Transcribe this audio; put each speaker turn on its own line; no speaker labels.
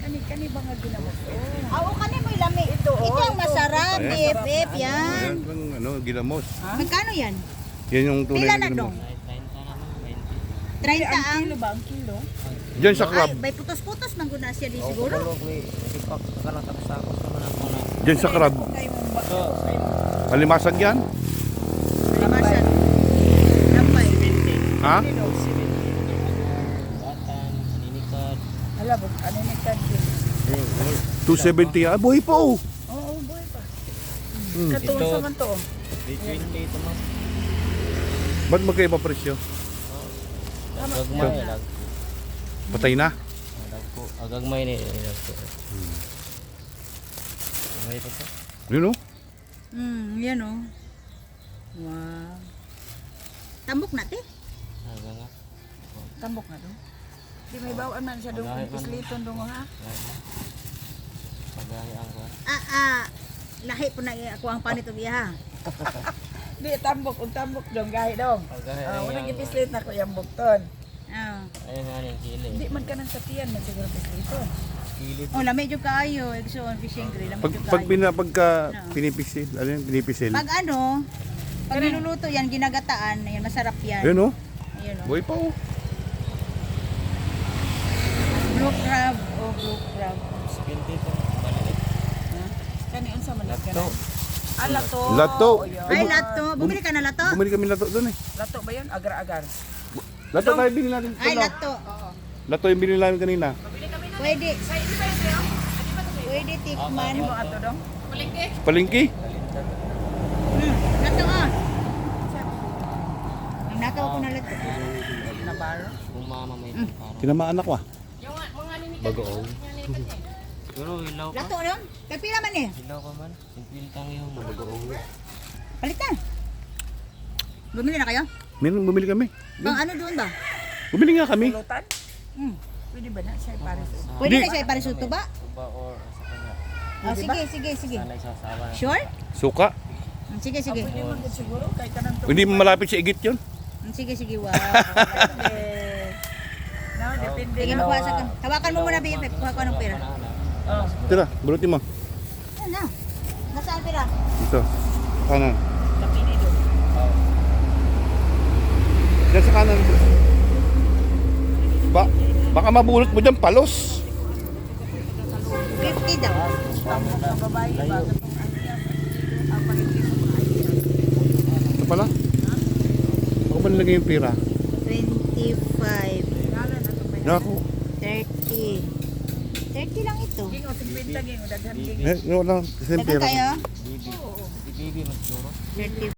Kani ba nga ginamot?
Oo, kani mo ilami. Ito ang masarap, BFF, yan.
Ayan pang ano, ginamos.
Magkano yan?
Yan yung tunay
Pila
na
na
ginamos.
dong? 30
Ang
ang...
kilo ba? Ang kilo?
Diyan sa crab.
Ay, may putos-putos man guna siya di siguro.
Diyan sa crab.
Kayo mong ba? Kayo mong
Palimasag yan?
Limasan. Lambay.
Ha?
kilo. Hala, ano ni Kadri?
270 ah. Buhay pa oh.
Oo, boy pa.
Hmm.
Katuon sa man to.
320 ito ma'am.
Ba't magkaiba presyo?
Agagmay lag.
Patay na.
Agagmay ni lag po. Agagmay pa po.
Yun oh.
Yan oh. Wow. Tambok natin.
Aga nga.
Tambok na to. Di may bawaan man siya doon. Kisliton doon ha.
Pagahi ang kuwan.
Lahi po na ako ang panito biya ha.
Di tambok, tambok dong, gahi dong.
Pagahi
Wala
ang
gipislit na ko yung bukton.
ayun nga yung kili.
Di man ka nang satiyan na siguro pisliton.
Kilid.
Oh, lamay jud kaayo, egso fishing grill, lamay jud
Pag
kaayo.
pagka pinipisil, ano yan? Pinipisil.
Pag ano, pag niluluto yan, ginagataan, yan masarap yan.
Yun oh.
Ayun oh.
Buhay pa oh.
Blue crab o blue crab.
20 po. Balik.
Kani unsa man
Lato.
ka? Lato.
Lato.
O, yun.
Ay, lato. Bumili ka na lato?
Bumili kami lato doon eh.
Lato ba yun? Agar-agar.
Lato tayo binili natin.
Ay,
Ano?
lato.
Lato yung binili namin kanina.
Pwede. Pwede tikman.
Ano ato dong?
Palengke.
Lato ah. Ang nakaw ko na lato.
Nabaro.
Kung mama may para.
Tinamaan ako ah.
Bagoong. Pero ilaw ka.
Lato yun. Kapila man eh.
Ilaw ka man. Simple tang yung bagoong.
Palitan. Bumili na kayo?
Meron bumili kami.
Pang ano doon ba?
Bumili nga kami.
Pulutan? Pwede ba na siya pares?
Pwede na siya iparisuto ba?
Tuba or sa kanya.
Oh, sige, sige, sige.
Sanay sa sawa.
Sure?
Suka.
Sige, sige.
Pwede man din siguro kay kanang
Hindi mo malapit sa igit yun.
Sige, sige. Wow.
No, depende
Sige,
na.
makuha sa kan. Hawakan mo muna, BFF. Kuha ko ng pera.
Oh,
Tira, burutin mo.
Yan na. Nasaan pera?
Ito. Kanan.
kapini do.
Diyan sa kanan. Baka mabulot mo dyan, palos.
50 daw.
Tambok na babae ba katong ano yan? Aparente mo idea.
Ito pala. Ako ba nilagay yung pira?
25.
Ngalan na to may.
Naku.
30. 30 lang ito.
Gingo 50 gingo daghan gingo.
Wala. Kasi yung
Dagan
pira.
kayo?
Bibi. Si Bibi mas duro.
30.